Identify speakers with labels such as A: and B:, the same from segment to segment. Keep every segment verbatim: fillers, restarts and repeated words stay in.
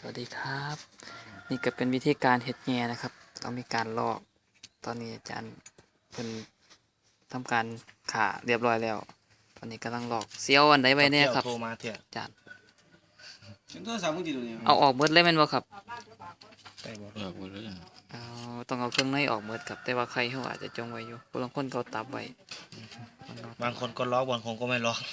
A: สวัสดีครับนี่ก็เป็นวิธีการเฮ็ดแหน่นะครับต้องมีการลอกตอนนี้อาจารย์เพิ่นทำการข่าเรียบร้อยแล้วตอนนี้กำลังลอกเสียวอันใดไว้เนี่ยครับ
B: โทรมาเถอะ
A: อาจารย์
C: ฉันโทรศัพท์มึงติดอยู่นี่
A: เอาออกหมดเลยแม่นบ่ครับ
B: ได้บ่
D: เออหมดเลย
A: เอาต้องเอาเครื่องในออกหมดครับแต่ว่าไข่เขาอาจจะจงไว้อยู่บางคนเขาตับไว้
B: บางคนก็ล็อกบางคนก็ไม่ล็อก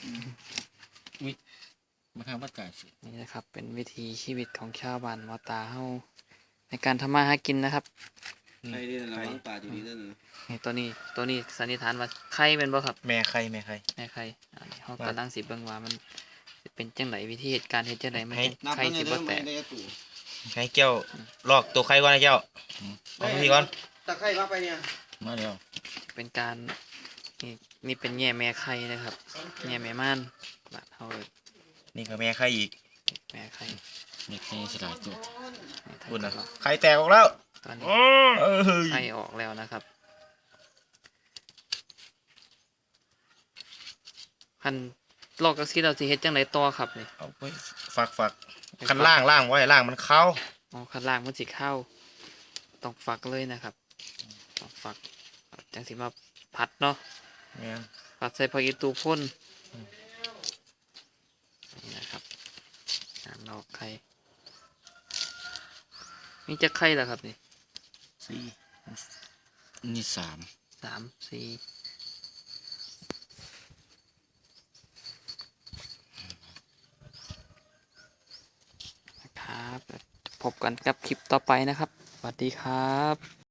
D: มาทำวัดจ่ายสิ
A: นี่นะครับเป็นวิถีชีวิตของชาวบ้านมอตาเฮาในการทำมาหากินนะครับ
C: ใครดีนะระวังป่าอยู่ดีนั่นน่ะ
A: นี่ตัวนี้ตัวนี้สันนิษฐานว่าไข่เป็นบ่ครับ
B: แม่ใครแม่ใคร
A: แม่ไข่อันนี้เขากำลังสิเบิ่งว่ามันสิเป็นจังไดวิธีเหตุการณ์เฮ็ดจังไดมัน
B: ให้
A: จัง
C: นับ
A: ไข่
C: เงิน
A: สิ
C: เดื
A: บ่
C: อน
A: แต
C: ไม่
A: ก
C: ได้ตู้
B: ให้เจ้าลอกตัวใครก่อนนะเจ้าเอาพี่ก่อน
C: ตะไคร้มาไปเนี่ย
D: มาเดียว
A: เป็นการนี่นี่เป็นแง่แม่ไข่นะครับแง่แม่ม่านบาดเฮาเลย
B: นี่ก็แม่ใครอีก
A: แม่ไข่
D: เด็กให้สลายตัว
A: นี่
B: คุณ
A: ถ้า
B: นะ
A: เกิด
B: ใครแตกออกแล้ว
A: ตอนนี้
B: เออ
A: ไข่ออกแล้วนะครับคันลอกจังซี่เราสิเฮ็ดจังไดต่อครับนี่
B: เอาไปฝักฝักคันล่างล่างไว้ล่างมันเข้า
A: อ๋อข้างล่างมันสิเข้าต้องฝักเลยนะครับต้องฝักจังสิมาผัดเนาะ
B: แม่น
A: ผัดใส่ผักอีตูพ่นนี่นะครับการลอกไข่นี่จะไข่แล้วครับนี่
B: สี่
D: นี่สาม
A: สามสี่นะครับพบกันกับคลิปต่อไปนะครับสวัสดีครับ